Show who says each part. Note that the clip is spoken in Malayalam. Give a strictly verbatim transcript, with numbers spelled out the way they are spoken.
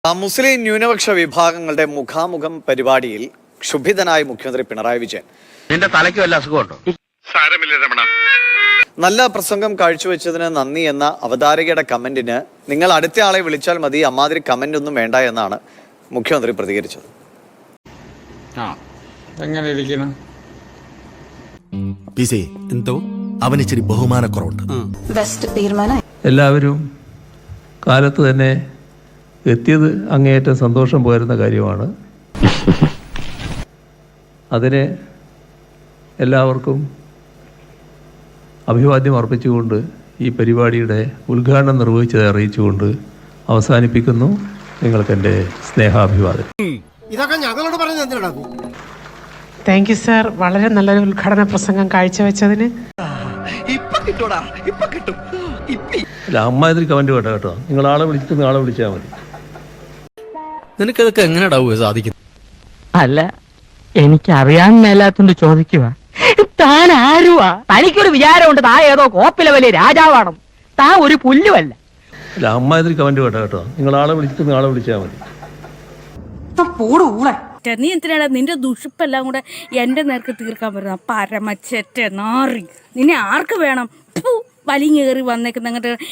Speaker 1: മുസ്ലിം ന്യൂനപക്ഷ വിഭാഗങ്ങളുടെ മുഖാമുഖം പരിപാടിയിൽ ക്ഷുഭിതനായ മുഖ്യമന്ത്രി പിണറായി വിജയൻ
Speaker 2: നിന്റെ തലയ്ക്ക് വല്ല അസുഖമുണ്ടോ? സാരമില്ല രമണ.
Speaker 1: നല്ല പ്രസംഗം കാഴ്ചവെച്ചതിന് നന്ദി എന്ന അവതാരകയുടെ കമന്റിന് നിങ്ങൾ അടുത്ത ആളെ വിളിച്ചാൽ മതി, അമ്മാതിരി കമന്റ് ഒന്നും വേണ്ട എന്നാണ് മുഖ്യമന്ത്രി പ്രതികരിച്ചത്.
Speaker 3: എന്തോ അവന് ഇച്ചിരി ബഹുമാനക്കുറവുണ്ട്.
Speaker 4: എല്ലാവരും കാലത്ത് തന്നെ എത്തിയത് അങ്ങേയറ്റം സന്തോഷം പോരുന്ന കാര്യമാണ്. അതിന് എല്ലാവർക്കും അഭിവാദ്യം അർപ്പിച്ചുകൊണ്ട് ഈ പരിപാടിയുടെ ഉദ്ഘാടനം നിർവഹിച്ചത് അറിയിച്ചുകൊണ്ട് അവസാനിപ്പിക്കുന്നു. നിങ്ങൾക്ക് എൻ്റെ സ്നേഹാഭിവാദം.
Speaker 5: ഇതൊക്കെ ഞങ്ങളോട് പറഞ്ഞു എന്തിനാ?
Speaker 6: താങ്ക് യു സാർ, വളരെ നല്ലൊരു ഉദ്ഘാടന പ്രസംഗം കാഴ്ചവെച്ചതിന്.
Speaker 4: അല്ല, അമ്മാതിരി കമൻറ്റ് വേണ്ട കേട്ടോ. നിങ്ങൾ ആളെ വിളിച്ചിട്ട് ആളെ വിളിച്ചാൽ മതി.
Speaker 7: നിനക്കതൊക്കെ എങ്ങനെയാ സാധിക്കും?
Speaker 8: അല്ല, എനിക്ക് അറിയാൻ മേലാത്തോണ്ട് ചോദിക്കുക. താൻ ആരുവാ? തനിക്കൊരു വിചാരമുണ്ട് താൻ ഏതോ കോപ്പിലെ വലിയ രാജാവാണ്. താൻ ഒരു പുല്ലുമല്ല.
Speaker 4: അല്ല, അമ്മാതിരി കമൻറ്റ് വേണ്ട കേട്ടോ. നിങ്ങൾ ആളെ വിളിച്ചിട്ട് ആളെ വിളിച്ചാൽ മതി.
Speaker 9: നീ എന്തിനാടാ നിന്റെ ദുഷിപ്പെല്ലാം കൂടെ എന്റെ നേർക്ക് തീർക്കാൻ പറ്റുന്ന പരമച്ചെറ്റ നാറി? നിന്നെ ആർക്ക് വേണം? വലിഞ്ഞേറി വന്നേക്കുന്ന അങ്ങോട്ട്